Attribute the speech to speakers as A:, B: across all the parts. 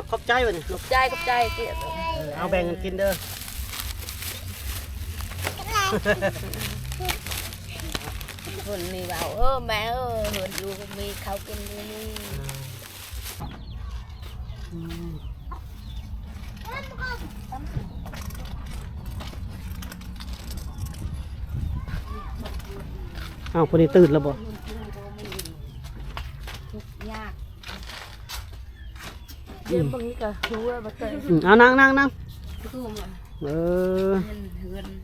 A: ขอบใจวะนี่
B: ขอบใจเกี่ยว
A: เอาแบ่งกันกินเด้อ
B: คนนี่เบาแม่เหินอยู่มีเขากินอยู่นี่
A: เอาคนนี้ตื่นแล้วบ่
B: ทุกยากเดี๋ยวบางทีก็รู้ว่าบ่เคย
A: เอานั่ง
B: คือมัน
A: เออ
B: เหิน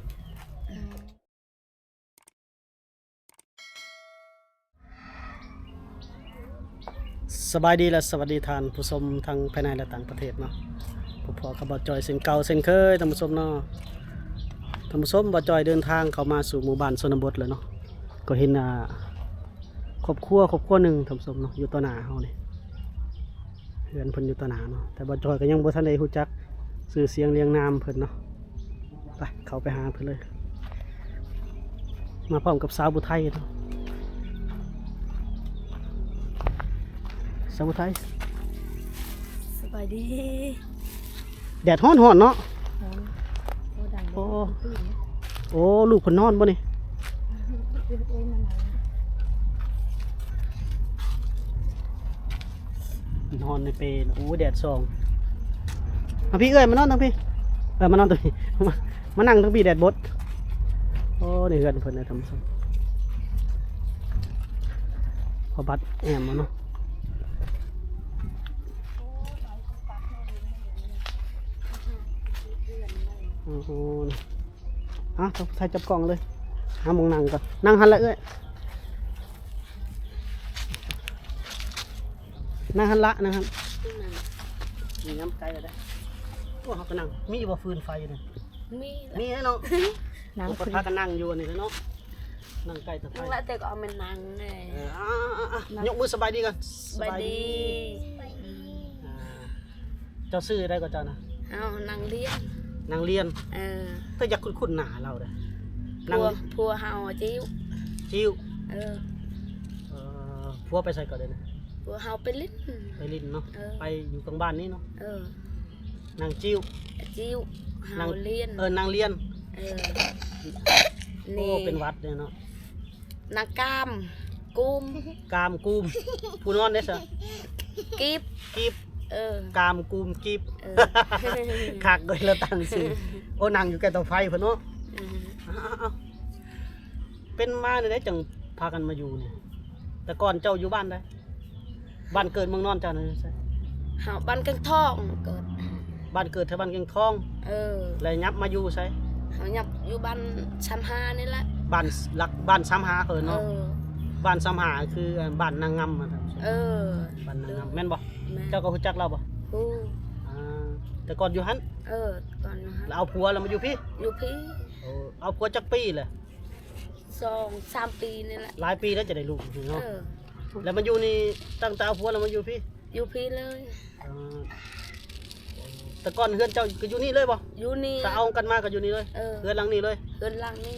A: สบายดีและสวัสดีท่านผู้ชมทั้งภายในและต่างประเทศเนาะพอๆกับบ่จอยเส้นเก่าเส้นเคยท่านผู้ชมเนาะท่านผู้ชมบ่จอยเดินทางเข้ามาสู่หมู่บ้านชนบทแล้วเนาะก็เห็นครอบครัวหนึ่งท่านผู้ชมเนาะอยู่ต่อหน้าเฮานี่เฮือนเพิ่นอยู่ต่อหน้าเนาะแต่บ่จอยก็ยังบ่ทันได้รู้จักชื่อเสียงเรียงนามเพิ่นเนาะไปเข้าไปหาเพิ่นเลยมาพร้อมกับสาวผู้ไทยเนาะสาวผู้ไทย
B: สบายดี
A: แดดร้อนเนาะ
B: โอ้ดัง
A: โอ้ลูกเพิ่นนอนบ่นี่นอนในเปรโอ้แดดส่องมาพี่เอ้ยมานอนทางพี่มานอนตรงนี้มานั่งทางพี่แดดบดโอ้นี่เฮือนเพิ่นได้ทำซ้ำพอบัดแอมมาเนาะโอ้โหต้องใส่จับกล่องเลยหามองนั่งก่อนนั่งหันละเอ้ยนั่งหันละนะครับมีน้ำไก่เลยได้โอ้เขาก็นั่งมีอยู่บ่ฟืนไฟอยู่นี่ มีให้น้องนั่งก็พากันนั่งอยู่นี่เลยเนาะนั่งไก่ตะไคร้
B: แล้วแต่ก็เอามันนั่งไง
A: ยกมือสบายดีกัน
B: สบายดี
A: เจ้าซื้อได้ก็เจ้านะ
B: เอานั่งเลี้ยง
A: นางเรียน
B: เออ
A: ถ้าอยากคุ้นๆหน้าเราเด้อ
B: พัวเฮาจิ้ว
A: จิ้ว
B: เออ
A: พัวไปใส่ก่อนเลยนะ
B: พัวเฮาไปลิ้น
A: ไปลิ้นเนาะ
B: เออ
A: ไปอยู่กลางบ้านนี่เนาะ
B: เออ
A: นางจิ้ว
B: จิ้วเฮาเลียน
A: นางเรียน
B: เออ
A: โอ้
B: นี่
A: เป็นวัดเนี่ยเนาะ
B: นางกามกุม
A: กามกูมผู้นอนได้ซะ
B: กีบ
A: กีบ
B: เออก
A: ามกูมกีบ
B: เออ
A: คักเลยแล้วตั้งชื่อโอ้นางอยู่ใกล้เตาไฟเพิ่นเนาะ เอาเป็นมาเนี่ยได้จังพากันมาอยู่เนี่ยแต่ก่อนเจ้าอยู่บ้านได้บ้านเกิดเมืองนอนเจ้าเนี่ยใช่
B: เฮาบ้านกังทองเกิด
A: บ้านเกิดแถวบ้านเกียงทอง
B: เออ
A: แล้วยับมาอยู่ใช่
B: เฮายับอยู่บ้านชั้น5นี่แหละ
A: บ้านหลักบ้านซ้ำหาเขิน
B: เอ
A: เนาะ
B: อ
A: บ้านซ้ำหาคือบ้านนางงำครับ
B: เออ
A: บ้านนางงำแม่นบ่
B: แม่
A: เจ้าก็รู้จักเราบ่
B: ฮู้
A: อ่าแต่ก่อนอยู่หัน
B: เออก่อนนะฮะ
A: แล้วเอาผัวแล้วมาอยู่พี่
B: อยู่พี่
A: เอาผัวจักปีเลย
B: 2-3 ปีนี่แหละ
A: หลายปีแล้วจะได้ลูกเนาะ
B: เออ
A: แล้วมาอยู่นี่ตั้งแต่เอาผัวแล้วมาอยู่พี่
B: อยู่พี่เลย
A: อ่าแต่ก่อนเฮือนเจ้าก็อยู่นี่เลยบ่
B: อยู่นี่
A: ถ้าเอากันมาก็อยู่นี่เลย
B: เออ
A: เฮือนหลังนี้เลย
B: เฮือนหลังนี่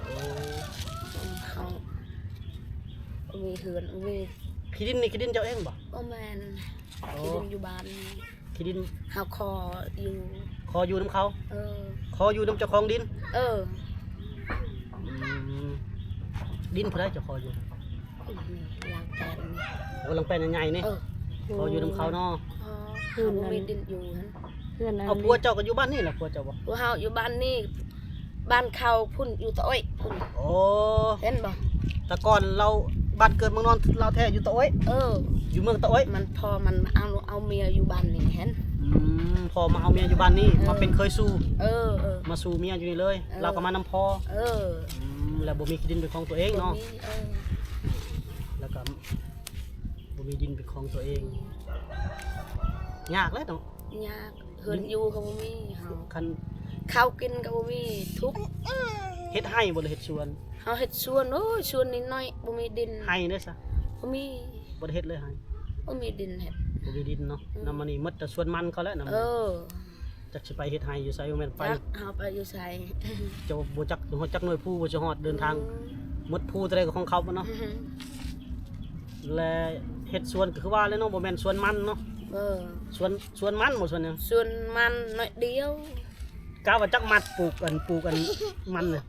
B: เขามีเฮือนมี
A: ขี้ดินนี่ขี้ดินเจ้าเองบ่
B: บ่แม่นที่ดินอยู่บ้านนี่
A: ขี้ดิน
B: เฮาคออยู่
A: คออยู่น้ำเขา
B: เออ
A: คออยู่น้ำเจ้าของดิน
B: เออ
A: ดินเพื่อให้เจ้าคออยู่
B: นี่ล้างแกนนี่
A: โอ้ลังแปลนใหญ่ๆนี่
B: เออ
A: คออยู่น้ำเขาเนาะ
B: เฮือนมีดินอยู่หั่น
C: เพื่อนนั้น
A: เอาผัวเจ้าก็อยู่บ้านนี่แหละผัวเจ้าบ่
B: พวกเฮาอยู่บ้านนี่บ้านเขาพุ่นอยู่ตะอ้อยพุ่น
A: โอ้
B: เห็นบ่
A: แต่ก่อนเราบ้านเกิดเมืองนอนเราแท้อยู่ตะโอ้ย
B: เออ
A: อยู่เมืองตะโอ้ย
B: มันพอมันเอาเมียอยู่บ้านนี่เห็น
A: พอมาเอาเมียอยู่บ้านนี่มาเป็นเคยสู้
B: เออเออ
A: มาสู่เมียอยู่นี่เลย เราก็มานำพอ
B: เออ
A: แล้วบ่มีที่ดินเป็นของตัวเองเนาะ
B: บ่มีเออ
A: แล้วก็บ่มีดินเป็นของตัวเองยากเลยเนาะ
B: ยากเฮือนอยู่ก็บ่มีเฮา
A: คัน
B: ข้าวกินก็บ่มีทุกข์
A: เฮ็ดให้บ่ได้เฮ็ดสวน
B: เฮาเฮ็ดสวนโอ้ยสวนนิดหน่อยบ่มีดิน
A: ให้เด้อซะ
B: บ่มี
A: บ่ได้เฮ็ดเลยให้
B: บ่มีดินเฮ็ด
A: บ่มีดินเนาะนำมานี่หมดแต่สวนมันเขาแล้วนำ
B: เออ
A: จักสิไปเฮ็ดให้อยู่ไสบ่แม่นไป
B: จักเฮาไปอยู่ไส
A: จะบ่จักฮอดจักหน่วยผู้บ่สิฮอดเดินทางหมดผู้แต่ใดก็ของเขาบ่เนาะและเฮ็ดสวนก็คือว่าแล้วเนาะบ่แม่นสวนมันเนาะสวนมันบ่สวนหยัง
B: ส่วนมันน้อยเดียว
A: กะว่าจักมัดปลูกกันมันน่ะ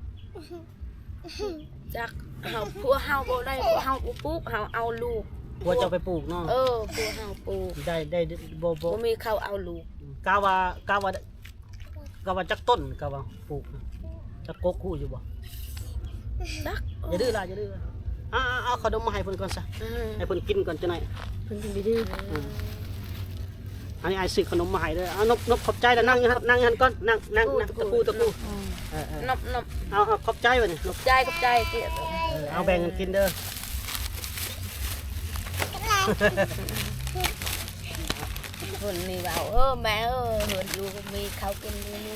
B: จักเฮาพัวเฮาบ่ได้พัวเฮาบ่ปลูกเฮาเอาลูก
A: กลัวเจ้าไปปลูกเนาะ
B: พัวเฮาปลูก
A: ได้บ่
B: บ่มีเขาเอาลูก
A: กะว่าจักต้นกะว่าปลูกนะจักกกคู่อยู่บ่
B: จัก
A: อย่าดื้อล่ะอย่าดื้อเอาขนมมาให้เพิ่นก่อนซะให้เพิ่นกินก่อนจังได๋
B: เพิ่นสิดื้อ
A: อันนี้ไอ้ซื้อขนมมาให้เด้อเอานบขอบใจแล้วนั่งอยู่ครับนั่งอยู่หั่นก่อนนั่งตะปู
B: นบ
A: เอาขอบใจไว้นี่นบ
B: ใจกับใจเกียรติ
A: เอาแบ่งกันกินเด้อ
B: คนนี่เบาแม่เหินอยู่ก็มีเขากินอยู่นี่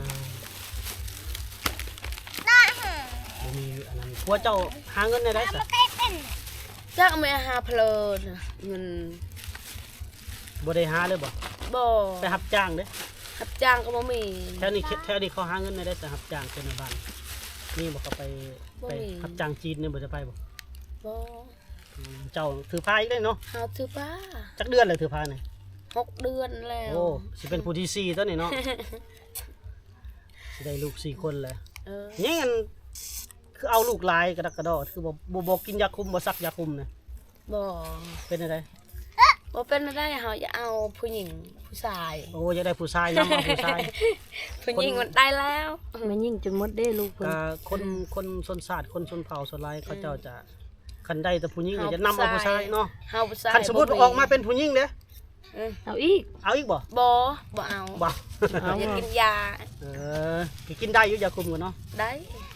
A: บ่มีอันนั้นผัวเจ้าหาเงินได้ซะ
B: จักไม่หาเพลินเงิน
A: บ่ได้หาเลยบ่
B: บ่
A: ไปรับจ้างเด้อ
B: รับจ้างก็บ่มี
A: แถวนี้เขาหาเงินได้ซะรับจ้างเป็นในบ้านนี่บ่ก็ไปรับจ้างจีนนี่บ่จะไปบ่
B: บ่
A: เจ้าถือพายอีกได้เนาะ
B: เฮาถือป้า
A: จักเดือนเลยถือพายนี่
B: 6 เดือนแล้ว
A: โอ้สิเป็นผู้ที่ 4ตัวนี่เนาะ สิได้ลูก4คนเลยนี่อันคือเอาลูกหลายกระดักกระดอคือบ่กินยาคุมบ่ซักยาคุมนะ
B: บ่
A: เป็นอะไร
B: บ่เป็นได้เฮาจะเอาผู้หญิงผู้ชาย
A: โอ้อยากได้ผู้ชายนำเอาผู้ชาย
B: ผู้หญิงมันได้แล้ว
C: มันยิ่งจนหมดได้ลูกเพิ่น
A: คนชนชาติคนชนเผ่าชนลายเขาเจ้าจะคันได้แต่ผู้หญิงจะนำเอาผู้ชายเนาะ
B: เฮาผู้ชาย
A: คันสมมุติออกมาเป็นผู้หญิงเด้อ
C: เอาอีก
A: เอาอีกบ่
B: บ่เอา
A: บ่
B: อยากกินยา
A: กินได้อยู่ยาคุมกันเนาะ
B: ได้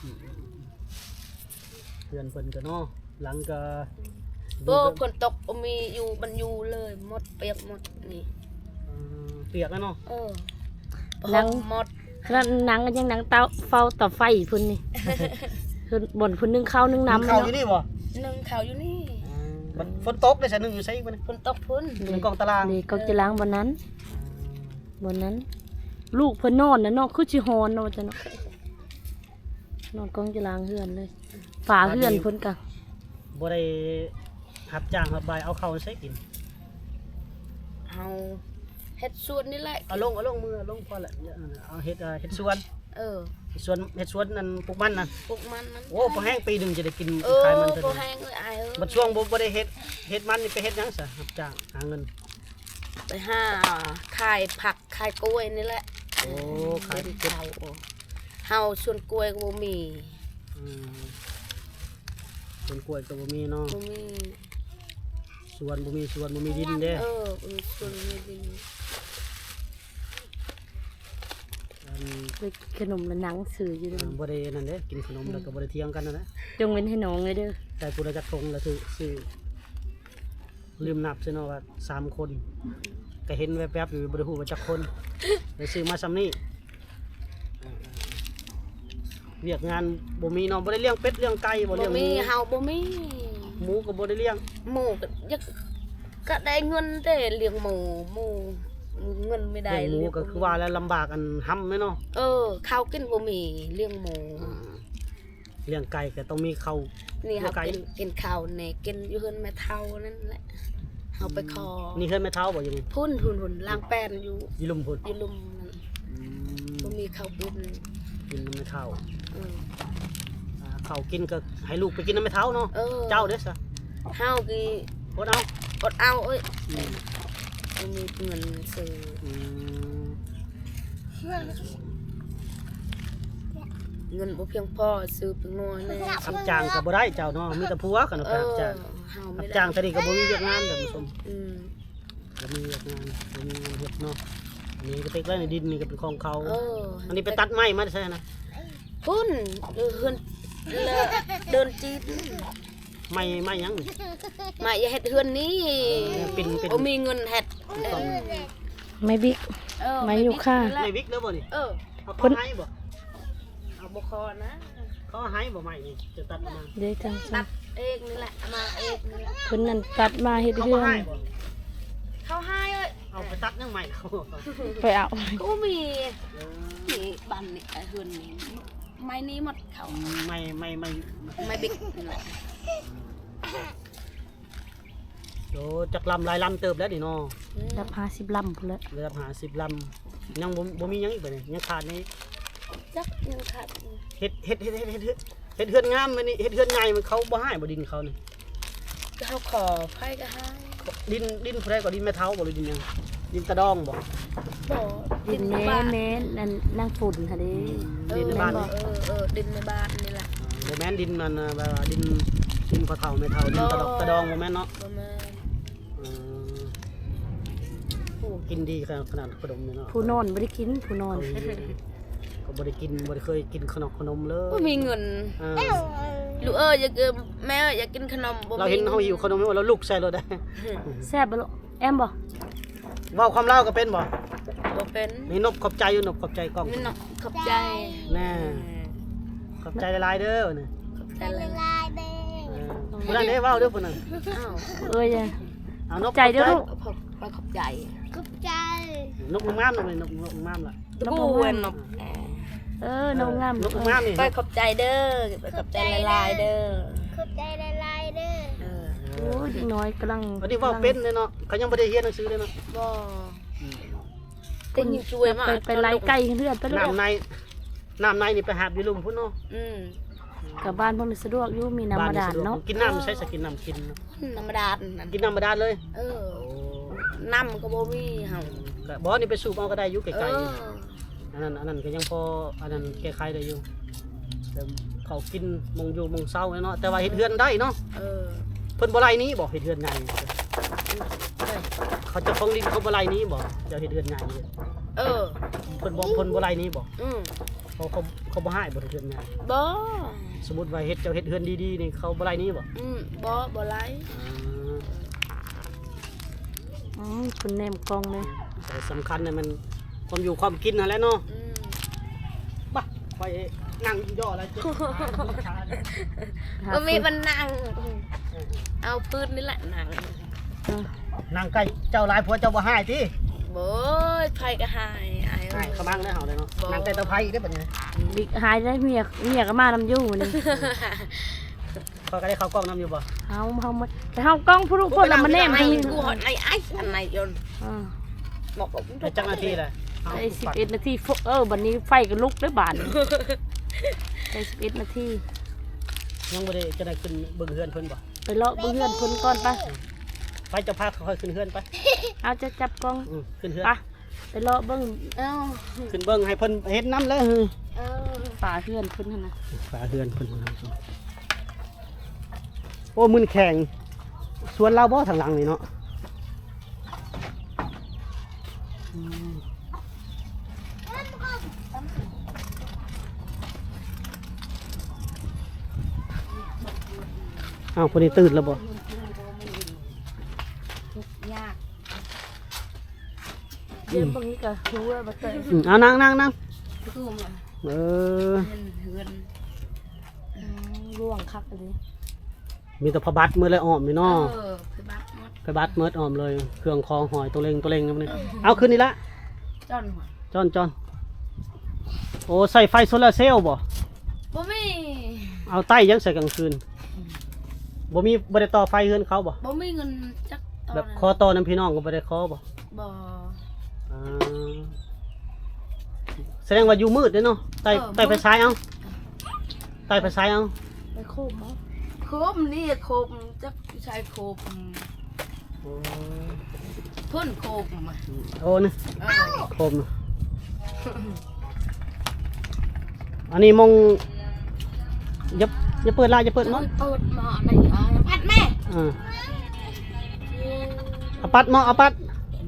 A: เพื่อนเพิ่นก็เนาะหลังก็
B: ฝนตกมีอยู่บรรยูเลยหมดเปียกหมดนี่
A: เปียกแล้วเนาะ
B: นังหมด
C: แล้วหนังก็ยังหนังเตาเฝ้าต่อไฟพุ่นนี่ เพิ่นบ่นพุ่นนึ่งข้าวนึ่งน้ำ
A: เข้าอยู่นี่บ่
B: นึ่งข้าวอยู่นี่
A: มันฝนตกได้ซะนึงอยู่ไสอีกบ่นี่
B: ฝนตกพุ่น
A: ในกองตาราง
C: นี่ก็จะล้างบนนั้นบนนั้น ลูกเพิ่นนอนน่ะเนาะคือสิฮอนเนาะว่าจังเนาะนอนกองจะล้างเฮือนเลยฝาเฮือนเพิ่นก็
A: บ่ได้รับจ้างรับบายเอาเข้าวใส่กิน
B: เอาเฮ็ดสวนนี่แหละ
A: เอาลงมือลงพอละเอาเฮ็ดสวน
B: เฮ็ด
A: สวนนั่นปลูกมันน่ะ
B: ปลูกมันนั้น
A: โอ้พอแห้งปีหนึงจะได้กินขายมันเท่า
B: บ่
A: นี้
B: แห้งเลยอาย
A: บัดช่วงบ่ได้เฮ็ดมันนี่ไปเฮ็ดหยังซะรับจ้างหาเงิน
B: ไปหาขายผักขายกล้วยนี่แหละ
A: โอ้ขาย
B: เป็นข้าวเฮาสวนกล้วยก็บ่มี
A: สวนกล้วยก็บ่มีเนาะ
B: บ่มี
A: สวนบ่มีดินเด้
B: มีสวนมีดิน
C: ไปขนมและหนังสื่ออยู่เด้อ
A: บ่ได้นั่นเด้กินขนมแล้วก็บ่ได้เที่ยงกันนะ
C: จงเว้นให้น้องเลยเด้อ
A: แต่ผู้ใดจักทงแล้วซื้อลืมนับซิเนาะว่า3คนก็เห็นแวบๆอยู่บ่ได้ฮู้ว่าจักคนได้ซื้อมาซ้ำนี้เวียกงานบ่มีเนาะบ่ได้เลี้ยงเป็ดเลี้ยงไก่บ่
B: บ่
A: เลี้ยงห
B: มี
A: มู
B: เฮาบ่มี
A: หมูก็บ่ได้เลี้ยง
B: หมูก็ได้เงินแต่เลี้ยงหมูเงินไม่ได้
A: เลี้ยงหมูก็คือว่าแล้วลำบากอันห้ำแม่เนาะ
B: ข้าวกินบ่มีเลี้ยงหมู
A: เลี้ยงไก่ก็ต้องมีข้าว
B: นี่เฮา
A: ไก่
B: กินข้าวแหน่กินอยู่เฮือนแม่เฒ่านั่นแหละเฮาไปขอ
A: นี่เคยแม่เฒ่าบ่อยู่นี่
B: พุ่นล้างแป้นอยู่
A: อยู่ลุมพุ่น
B: อยู่ลุมนั่นบ่มีข้าวกิน
A: กินน้ำแม่เฒ่า
B: เออ
A: ข้าวกินก็ให้ลูกไปกินน้ำแม่เฒ่าเนาะเจ้าเด้อซะ
B: เฮากี
A: อดเอา
B: อดเอาบ่มีเงินซื้อ เงินบ่เพียงพอซื้อเป็นนัวแน่
A: รับจ้างก็บ่ได้เจ้าเนาะมีแต่ผัวกันเนาะรับจ้าง
B: เฮา
A: รั
B: ไม่
A: บ
B: ได้
A: จ้างเท่านี้ก็บ่มีเวียกงานเด้อผู้ชม
B: Ừ.
A: บ่มีเวียกงานบ่มีเฮ็ดเนาะอันนี่ก็เต็กไว้ในดินนี่ก็เป็นของเขา อันนี้ไปตัดไม้มาใช่นะ
B: พุ่นเฮือนเดินจีน
A: ไม้หยังนี่
B: มาอย่าเฮ็ดเฮือนนี้
A: เป็น
B: บ่มีเงินเฮ็ด
C: ไม่บิ๊ก ไม่อยู่ค่ะ
A: ไม่วิกเด้อบ่นี่
B: เอา
A: เขาให้บ่
B: บ่คอนะ
A: เขาให้บ่ไม้นี่จะตัดออกมา
C: เด้จัง
B: ตัดเองนี่แหละมาเองนี่แหละ
C: เพิ่นนั่นตัดมาเฮ็ด
A: เขา
C: เฮื
A: บ่
C: อน
A: ให้บ่
B: เขาให้เอ้ย
A: เอาไปตัดยังไม้เขา
C: ไปเอา
B: ก็มีนี่บ้านนี่เฮือนนี่ไม้นี้หมดเขา
A: ไม่
B: ไม้บิ๊กนี่แหละ
A: โอ้จักลำหลายลำเติบแล้วนี่เนาะ
C: รับ50ลำพุ่นแหละ
A: ระดับ50ลำยังบ่มีหยังอีกบ่นี่ยังขาดนี่
B: จักยังขาด
A: เฮ็ดเฮือนงามมื้อนี้เฮ็ดเฮือนใหญ่มันเขาบ่ให้บ่ดินเขานี่
B: เขาขอไผก็ให้
A: ดินผู้ใดก็ดินแม่เฒ่าบ่หรือดินหยังดินตะดองบ่
B: บ่
C: ดินแม่แม่นั่นนางฝุ่นค่ะเด้
A: ดินในบ้าน
B: บ่
A: นี่
B: ดินในบ้านนี่ล่ะ
A: บ่แม่นดินมันแบบว่าดินพ่อเฒ่าแม่เฒ่าดินตะดองบ่แม่นเนาะ
B: บ่แม่น
A: โอ้กินดีขนาดขนมนี่เนาะ
C: ผู้นอนบ่ได้กินผู้นอน
A: ก็บ่ได้กินบ่ได้เคยกินขนมเลย
B: บ่มีเงิน ลูกอยากแม่อยากกินขนมบ่มี
A: เราเห็นเฮาหิวขนมแล้วลุกใส่รถได้
C: แซ่บบ่ลูกแอมบ่
A: เว้าความลาวก็เป็นบ่
B: บ่เป็น
A: มีนบขอบใจอยู่นบขอบใจกล้อง
B: นี่เนาะขอบใจ
A: แน่ขอบใจหลายๆเด้อนี่
B: ขอบใจหลาย
A: ผู้นั้นเด้เว้าเด้อผู้นั้น
B: อ้าว
C: เอ้ยอะ
A: เอานบ
C: ใจเด้อลูก
B: ขอบใจ
A: นบงามนบนี่นบงามล่ะ
C: น้อง
B: กู
C: บ่
B: เวน
C: งาม
B: เนาะ
C: น้องงาม
A: นบงามนี่
B: ไปขอบใจเด้อไปขอบใจหลายๆเด้อ
D: ขอบใจหลายๆเด้อ
B: เออ
C: โอ้ยเด็กน้อยกำลัง
A: วันนี้เว้าเป็นเลยเนาะเขายังบ่ได้เรียนหนังสือเลยเนาะ
B: บ่ติงช่วยมาก
C: ไปไล่ไก่เฮือนไปลูก
A: น้ำในนี่ไปหาบอยู่ลุมพุ่นเนาะ
C: กับบ้านพวกนี้สะดวกอยู่มีน้ำบาดาลเนาะ
A: กินน้ำใช้สกินน้ำกินเนาะ
B: ธรรมดานั่น
A: กินน้ำบาดาลเลย
B: น้ำก็บ่มีเฮา
A: ก็บ่นี่ไปสูบเอาก็ได้อยู่ไก
B: เอ
A: ล
B: อ
A: ๆอันนั้นก็ยังพออันนั้นแก้ไขได้อยู่แต่เขากินมงอยู่มงเศร้าเนาะแต่ว่าเฮ็ดเฮือนได้เนาะ
B: เออ
A: เพิ่นบ่ไล่หนี้บ่เฮ็ดเฮือนใหญ่เขาจะฟ้องดินเขาบ่ไล่หนี้บ่เจ้าเฮ็ดเฮือนใหญ่
B: เออ
A: เพิ่นบ่ไล่หนี้บ่
B: อืม
A: เขาบ่ให้บ่เฮ็ดเฮือนใหญ่
B: บ่
A: สมมุติว่าเฮ็ดเจ้าเฮ็ดเฮือนดีๆนี่เขาบ่ไล่หนี้บ่
B: บ่ไล่
C: คุณแนมกล้องเลย
A: แต่สำคัญเนี่ยมันความอยู่ความกินนั่นแหละเนาะบ่ไปนั่งย่ออะไรจิ
B: ก็มีบันนั่งเอาพื้นนี่แหละนั่ง
A: นั่งใกล้เจ้าหลายผัวเจ้าบ่ให้ติ
B: บ่ไผก็หายอาย
A: ให้ขมังได้เฮาเลยเนาะนั่งใกล้เตาไผอีกได้อบัดนี้
C: บิ๊กหายได้เมียก็มานำอยู่นี่
A: เขาก็ได้เข้ากล้องนํอยู่บ่
C: เฮามาแต่เฮากล้องผู้ลูกคนละมาแนม
B: ไอ้
C: ให้
B: กูหอดไอ้อันไหนยนบอก
A: ได้จักนาทีแหละ
C: ได้11นาทีบัดนี้ไฟก็ลุกด้วยบาดได้11นาที
A: ยังบ่ได้จะได้ขึ้นเบิ่งเฮือนเพิ่นบ่
C: ไปเลาะเบิ่งเฮือนเพิ่นก่อนปะ
A: ไปเจะพาค่อยๆขึ้นเฮือนไป
C: เอาจะจับกล้อง
A: ขึ้นเฮือน
C: ปะไปเลาะเบิ่ง
B: เอ้า
A: ขึ้นเบิ่งให้เพิ่นเฮ็ดน้ำเลย
B: เอ้า
C: ฝาเฮือนเพิ่นหั่นน่ะ
A: ฝาเฮือนเพิ่นโอ้มึนแข่งสวนเราบ่ทางหลังนี่เนาะอ้าวคนนี้ตื่นแล้วบ่
B: ยาก
C: เดี๋ยวเบิ่งนี่ก็รู้ว่าบ่เตย
A: เอานั่ง
B: คือมัน
A: เออ
B: เฮือน
C: ร่วงคักเลย
A: มีแต่พระบัตรมือเลยอ้อมนี่เนาะ
B: คือบักมด
A: พระบัตรมืออ้อมเลยเครื่องคองหอยตัวเล็งนั่นนี่เอาขึ้นนี่ละ
B: จ้อนหัว
A: จอนโอ้ใส่ไฟโซลาร์เซลล์บ่
B: บ่มี
A: เอาใต้ยังใส่กลางคืนบ่มีบ่ได้ต่อไฟเฮือนเขาบ่
B: บ่มีเงินจักตอน
A: แบบคอต่อน้ำพี่น้องก็บ่ได้คอบ่
B: บ่
A: อ่าแสดงว่าอยู่มืดเด้อเนาะใต้ไฟฉายเอาใต้ไฟฉายเอา
C: ไปโคบเนาะ
B: โคบนี่โคบจักใช้โคบ
A: โอ้
B: พ่นโคบมา
A: โอ้นี่
B: เออ
A: คมอันนี้มองอย่าเปิดลายอย่าเปิด
B: เปิ
A: มั้ง
B: ดหม้อในพัดแม่
A: เอาปัดหม้อเอาปัด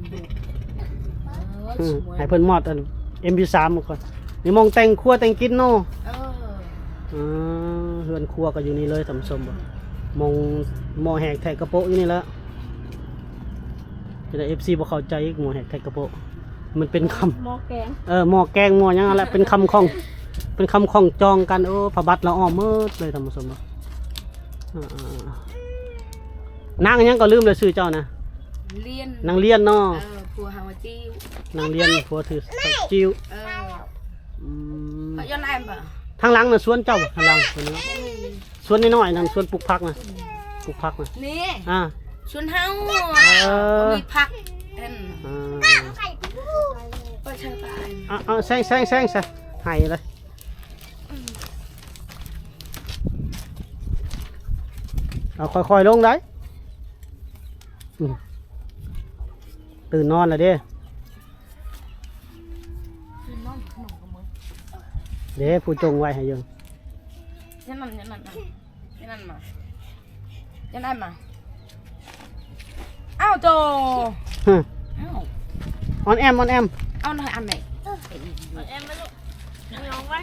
A: ให้เพิ่นมอดอัน MP3 มาก่อนนี่มองแต่งครัวแต่งกินเนาะ เฮือนครัวก็อยู่นี่เลยท่านผู้ชมบ่มองหม้อแหกแทกกระโปะอยู่นี่แล้วจะได้ FC บ่เข้าใจอีกหม้อแหกแทกกระโปะมันเป็นคำ
C: หม้อแกง
A: หม้อแกงหม้อหยังอะไรเป็นคำของจองกันพระบัตรละอ้อมมืดเลยท่านผู้ชมนางยังก็ลืมเลยชื่อเจ้านะ
B: เลียน
A: นางเลียนเนาะ
B: ผัวหาวจิ้วน
A: างเลียนผัวถือจิ้ว
B: เขาย้อนแอมป่ะ
A: ทางหลังน่ะสวนเจ้าทางหลังสวนนี้สวนน้อยๆนั่นสวนปลูกผักนะปลูกผักนะ
B: นี่ชวนเฮา
A: เออ
B: มีผักเห็น
A: อ่า
B: ก็ใช่ป่ะ
A: เอาแซงซะให้เลยเอาค่อยๆลงได้อืมตื่นนอนแล้วเด้เด้ผู้จงไว้ให้ยัง
B: ยันนั่นมายันนั่นมาอ้าวโจ
A: ฮึ
B: อ้าว
A: ออนแอม
B: เอาหน่อยอันไหน
C: แอมมาลูกน้องไว้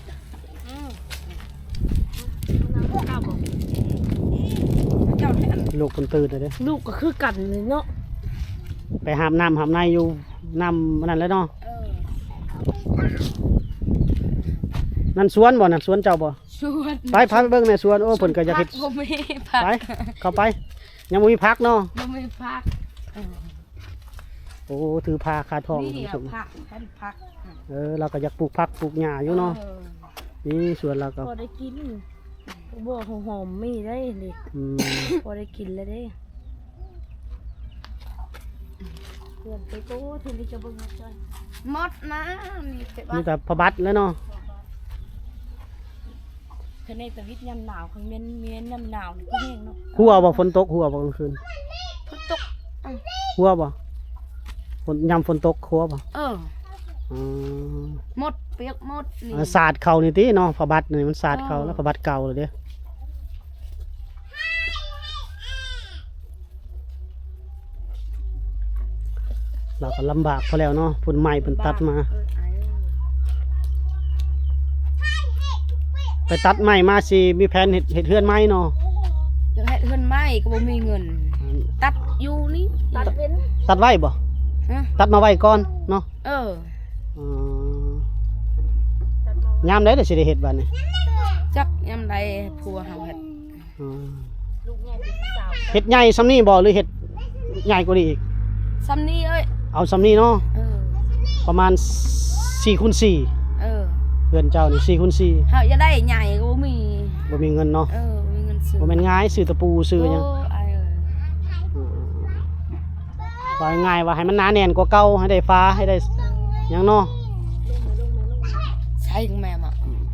B: เจ้าหน่อยอัน
A: ลูกคนตื่นเลยเด้
C: ลูกก็คือกันเลยเนาะ
A: ไปหามน้ำหามในอยู่น้ำมันนั่นแล้วเนาะ นั่นสวนบ่นั่นสวนเจ้าบ่
B: ชวน
A: ไปพาไปเบิ่งในสวนโอ้เพิ่นก็อยากเฮ็ด
B: บ่มีผัก
A: ไปเข้าไปยังบ่มีพักเนาะ
B: บ่มีผัก
A: โอ้ถือพาคาทอง
B: นี่
A: คุณผู้ชม
B: ผักแค่ผัก
A: เราก็อยากปลูกผักปลูกหญ้าอยู่เนาะนี่สวนเราก็
C: พอได้กินบ่หอมๆมีได้ดิ
A: อืม
C: พอได้กินแล้วเด้เพื่อนไปโตถึงที่จะเบิ่งจ้อย
B: หมดนะนี่แต่ว่า
A: นี่แต่พระบัตรแล้วเนาะ
C: คะแนนแต่วิทย์ยามหนาวของเมียนยามหนาวนี่ก็แห้งเนาะ
A: หัวบ่ฝนตกหัวบ่กลางคืน
B: พุตก
A: หัวบ่ฝนยามฝนตกหัวบ่
B: เออ
A: อ๋อ
B: หมดเปียกหมดนี่
A: สาดเข่านี่ติเนาะพระบัตรนี่มันสาดเข่าแล้วพระบัตรเก่าเลยเด้เราก็ลำบากพอแล้วเนาะพุ่นใหม่เพิ่นตัดมา ไปตัดใหม่มาสิมีแผนเฮ็ดเฮือนใหม่เนาะ
B: อยากให้เฮือนไหม้ก็บ่มีเงิน ตัดอยู่นี่
C: ตัดเป็น
A: ตัดไว้บ่
B: ฮะ
A: ตัดมาไว้ก่อนเนาะ
B: เออ
A: อ๋อยามใดเดี๋ยวสิได้เฮ็ดบัดนี้
B: จักยามใดผัวเฮาเฮ็ด
A: อ๋อ
C: ลูกใหญ่เป็นสาว
A: เฮ็ดใหญ่ซำนี้บ่หรือเฮ็ดใหญ่กว่านี้อีก
B: ซำนี้เอ้ย
A: เอาซำนี้เนาะ
B: เออ
A: ประมาณ4x4
B: เออ
A: เฮือนเจ้านี่4x4
B: เฮาจะได้ใหญ่ก็บ่มี
A: บ่มีเงินเนาะ
B: เออบ่มีเงินซื้อ
A: บ่แม่นง่ายซื้อตะปูซื้อหยัง
B: โไอ้เอ้ย
A: ว่าง่ายว่าให้มันหนาแน่นกว่าเก่าให้ได้ฟ้าให้ได้หยังเนาะ
B: ใช่ของแม่มา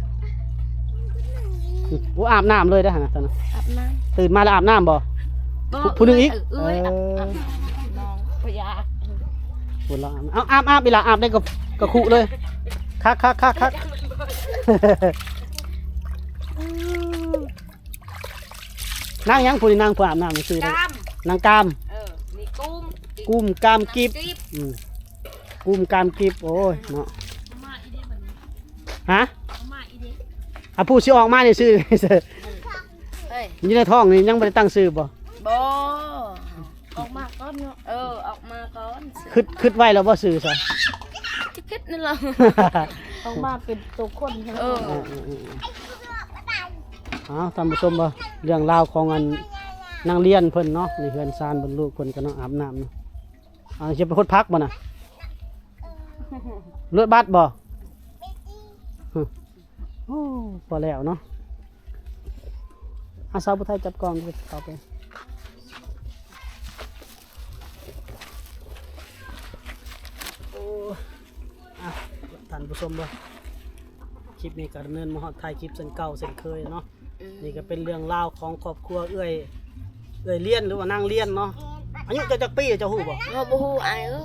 A: บ่อาบน้ำเลยเด้อหั่นน่ะตอนนั้น
B: อาบน้ำ
A: ตื่นมาแล้วอาบน้ำบ่
B: บ่
A: ผู้หนึ่งอีก
B: เอ้ย
A: เออ
B: อาบน้องพยา
A: ปวดละอาบอีหล่ะอาบได้กับขุเลยคัก นั่งยังผู้นี่นั่งผู้อาบน้ำนี่ซื้อได้
B: กาม
A: นางกาม
B: เออนี่กุ้ม
A: กุ้มกามกิบ
B: กิ๊บ
A: อืมกุ้มกามกิบโอ้ยเนาะ
C: มาอีเด้บัดนี้
A: ฮะ
C: มาอีเด้
A: อ่ะผู้สิออกมานี่ซื้อ
B: เฮ้ย
A: อยู่ในท้องนี่ยังบ่ได้ตั้งซื้อบ่
B: บ่
C: ออกมาก่อนเนาะ
B: เออออกมาก่อน
A: คิดไว้แล้วบ่ซื้อซะ
B: จะคิดนั่นล่ะ
C: ออกมาเป็นตัวคนใช่ไหม
B: เออ
A: ท่านผู้ชมบ่เรื่องราวของอันนางเรียนเพิ่นเนาะนี่เฮือนซานบนลูกเพิ่นก็เนาะอาบน้ำเนาะสิไปคดพักบ่น่ะเลือดบัดบ่โอ้พอแล้วเนาะสาวผู้ไทยจับกล้องดิเข้าไปโอ้ท่านผู้ชมบ่คลิปนี้ก็ดำเนินมาฮอดท้ายคลิปเส้นเก่าเส้นเคยเนาะนี่ก็เป็นเรื่องราวของครอบครัวเอ้ยเลี้ยนหรือว่านางเลี้ยนเนาะอายุจักปีเจ้าฮู้บ่
B: บ่บ่ฮู้ไอ้เออ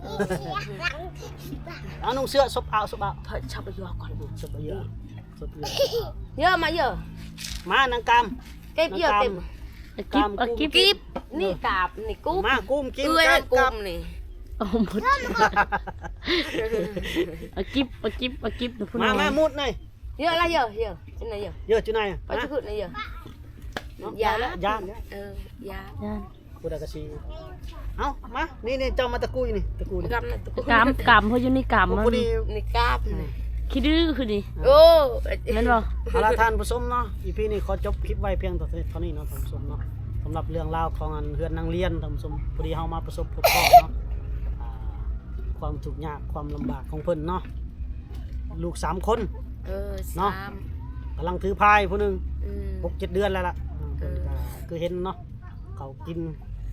A: เอานุ่งเสื้อซบเอา
B: เพิ่นชอบไปอยู่ก่อน
A: ซบเยอะซบเยอะ
B: เยอะมาเยอะ
A: มานางกาม
B: เก็บเยอะเต็ม
C: กิ๊บ
B: กิ๊บนี่กาบนี่กุ้ม
A: มากุ้มกิน
B: เอ้ย
A: กาม
B: กุ้
A: กาม
B: มนี่
C: เอาหมดเอากิ๊บนะพุ่น
A: มามุดหน่อย
B: เยอะละเยอะจังไหนเยอะ
A: เยอะจุไหน
B: ไปจุดไหนเยอะ
A: ยาแล้วยาเนี่ย
B: เออยา
C: ย่าน
A: กูได้กระชีเอามานี่เจ้ามาตะกุยนี่ตะกุยนี่
B: กำนะ
C: กำเพราะอยู่ในกำมัน
A: พอดี
B: นี่กาบนี่
C: คิดดื้อคือดิ
B: โอ้
C: แม่นบ่
A: เอาละท่านผู้ชมเนาะอีพีนี้ขอจบคลิปไว้เพียงเท่านี้เนาะท่านผู้ชมเนาะสำหรับเรื่องราวของอันเฮือนนางเลียนท่านผู้ชมพอดีเฮามาประสบพบเนาะความทุกข์ยากความลำบากของเพิ่นเนาะลูก3 คน
B: เออ
A: เนาะ
B: สาม
A: กำลังถือพายผู้หนึง
B: อืม
A: 6-7 เดือนแล้วล่ะเพิ่นก็คือเห็นเนาะเขากิน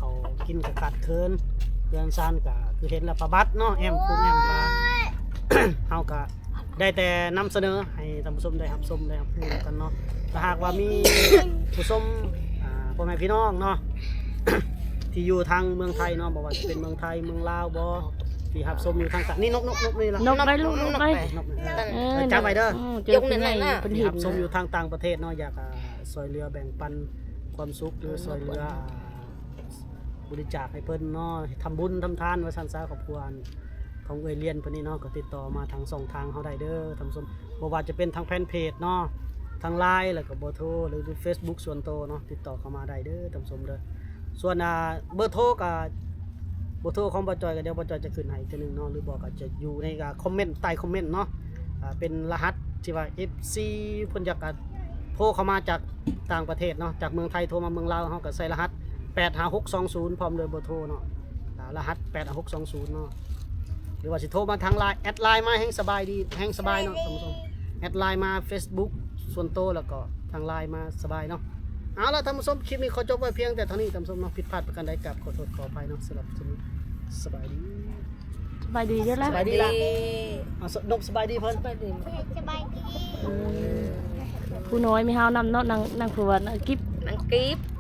A: เขากินกับกัดเคินเพื่อนซานก็คือเห็นแล้วประบัดเนาะแอมปุ้งแอมปลา เฮาก็ได้แต่นำเสนอให้ท่านผู้ชมได้รับชมได้รับรู้กันเนาะถ้าหากว่ามี ผู้ชมพ่อแม่พี่น้องเนาะ ที่อยู่ทางเมืองไทยเนาะบอกว่าจะเป็นเมืองไทยเมืองลาวบ่ที่รับชมอยู่ทางนี่นกนี่ล่ะ
C: นกไปลูกนกไป
A: นกนี่
C: จั
A: จำไว้เด้อ
C: เจอคนใหญ่เป็น
A: ที่
C: หิ
A: รั
C: น
A: บชมอยู่ทางต่างประเทศเนาะอยากซอยเรือแบ่งปันความสุขหรือซอยเรือบริจาคให้เพิ่นเนาะทำบุญทำทานว่าซั่นซะครอบครัวของเอยเลียนเพิ่นนี่เนาะก็ติดต่อมาทาง2ทางเฮาได้เด้อท่านผู้ชมบ่ว่าจะเป็นทางแฟนเพจเนาะทาง LINE แล้วก็เบอร์โทรหรือ Facebook ส่วนตัวเนาะติดต่อเข้ามาได้เด้อท่านผู้ชมเด้อส่วนเบอร์โทรก็เบอร์โทรของบ่จอยก็เดี๋ยวบ่จอยจะขึ้นให้อีกทีนึงเนาะหรือบอกก็จะอยู่ในคอมเมนต์ใต้คอมเมนต์เนาะเป็นรหัสที่ว่า FC เพิ่นอยากโทรเข้ามาจากต่างประเทศเนาะจากเมืองไทยโทรมาเมืองลาวเฮาก็ใส่รหัส85620พร้อมด้วยเบอร์โทรเนาะรหัส85620เนาะหรือว่าสิโทรมาทาง LINE แอดไลน์มาแห่งสบายดีแห่งสบายเนาะท่านผู้ชมแอดไลน์มา Facebook ส่วนตัวแล้วก็ทาง LINE มาสบายเนาะเอาล่ะท่านผู้ชมคลิปนี้ขอจบไว้เพียงแต่เท่านี้ท่านผู้ชมเนาะผิดพลาดประการใดกับขอโทษขออภัยเนาะสำหรับคลิปนี้สบายดี
C: สบายดีเด้อ
B: ส
C: ล่ะ
B: บายดี
A: นกสบายดีเพิ่น
B: สบายดี
D: สบายดี
C: ผู้น้อยไม่เฮานำเนาะนางผู้ว่ากิ๊บ
B: นังกีบ